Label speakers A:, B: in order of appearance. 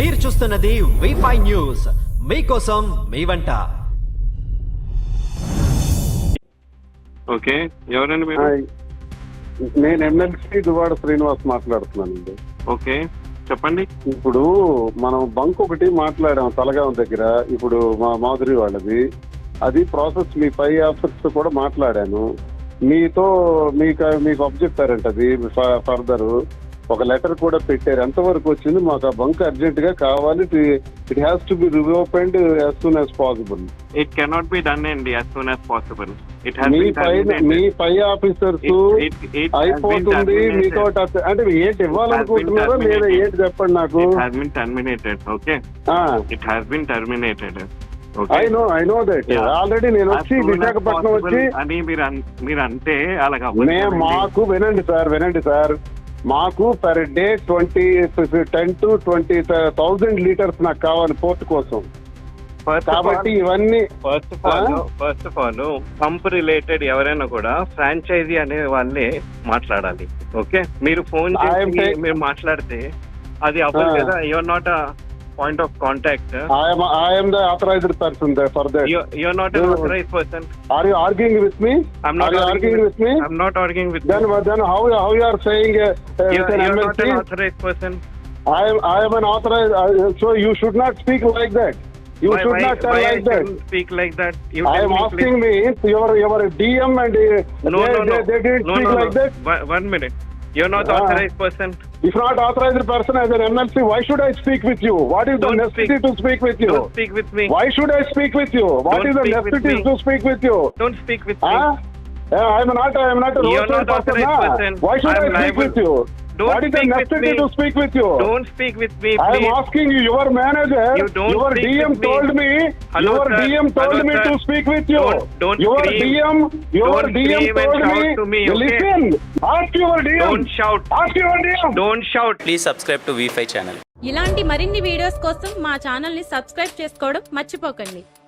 A: మీరు చూస్తున్నది వి5 న్యూస్, మీకోసం మీ వంట.
B: ఓకే, ఎవరండి మీరు?
C: నేను ఎమ్మెల్సీ దువాడ శ్రీనివాస్ మాట్లాడుతున్నానండి.
B: ఓకే, చెప్పండి.
C: ఇప్పుడు మనం బంక్ ఒకటి మాట్లాడాం తలగాం దగ్గర, ఇప్పుడు మా మాధురి వాళ్ళది. అది ప్రాసెస్ మీ పై ఆఫీసర్స్ కూడా మాట్లాడాను. మీకు అబ్జెక్టారంట అది ఫర్దర్ ఒక లెటర్ కూడా పెట్టారు. ఎంతవరకు వచ్చింది? మాకు ఆ బంక్ అర్జెంట్ గా కావాలి. It has to be reopened as soon as possible.
B: It cannot be done అండి యాజ్ సూన్ యాజ్ పాసిబుల్.
C: మీ పై ఆఫీసర్స్ అయిపోతుంది మీతో అంటే ఏంటి ఇవ్వాలనుకుంటున్నారో లేదా ఏంటి చెప్పండి నాకు.
B: Okay, it has been terminated.
C: I know that already. నేను వచ్చి విశాఖపట్నం వచ్చి
B: అని మీరు అంటే అలాగా
C: మాకు వినండి సార్, మాకు పర్ డే 10 to 20,000 లీటర్స్ నాకు కావాలి పోర్ట్ కోసం. కాబట్టి ఇవన్నీ
B: first of all pump related ఎవరైనా కూడా ఫ్రాంచైజీ అనే వాళ్ళే మాట్లాడాలి. ఓకే, మీరు ఫోన్ చేసి మీరు మాట్లాడితే అది అవ్వదు కదా. You're not uh point of contact.
C: I am the authorized person there for that.
B: You're not an authorized person.
C: Are you arguing with me?
B: I'm not arguing with me. I'm not arguing with
C: then
B: you.
C: Then how you are saying
B: you're
C: MLC?
B: not an authorized person.
C: I am an authorized. So you should not speak like that. You should not tell like that.
B: Speak like that.
C: I am asking me your DM and they didn't speak like that.
B: One minute. You're not authorized person.
C: If not authorized person as an MLC, why should I speak with you? What is the necessity to speak with you?
B: Don't speak with me.
C: Why should I speak with you? What is the necessity to speak with you?
B: Don't speak with me.
C: I am not a roadside person. Why should I speak with you? What is the necessity to speak with you?
B: Don't speak with me, please.
C: I am asking you, your manager, your DM told me, your DM told me to speak with you. Your DM told me, listen, ask your DM.
B: Don't shout.
C: Ask your DM.
B: Don't shout.
D: Please subscribe to వి5 channel.
E: ఇలాంటి మరిన్ని videos కోసం మా channel ని subscribe చేసుకోవడం మర్చిపోకండి.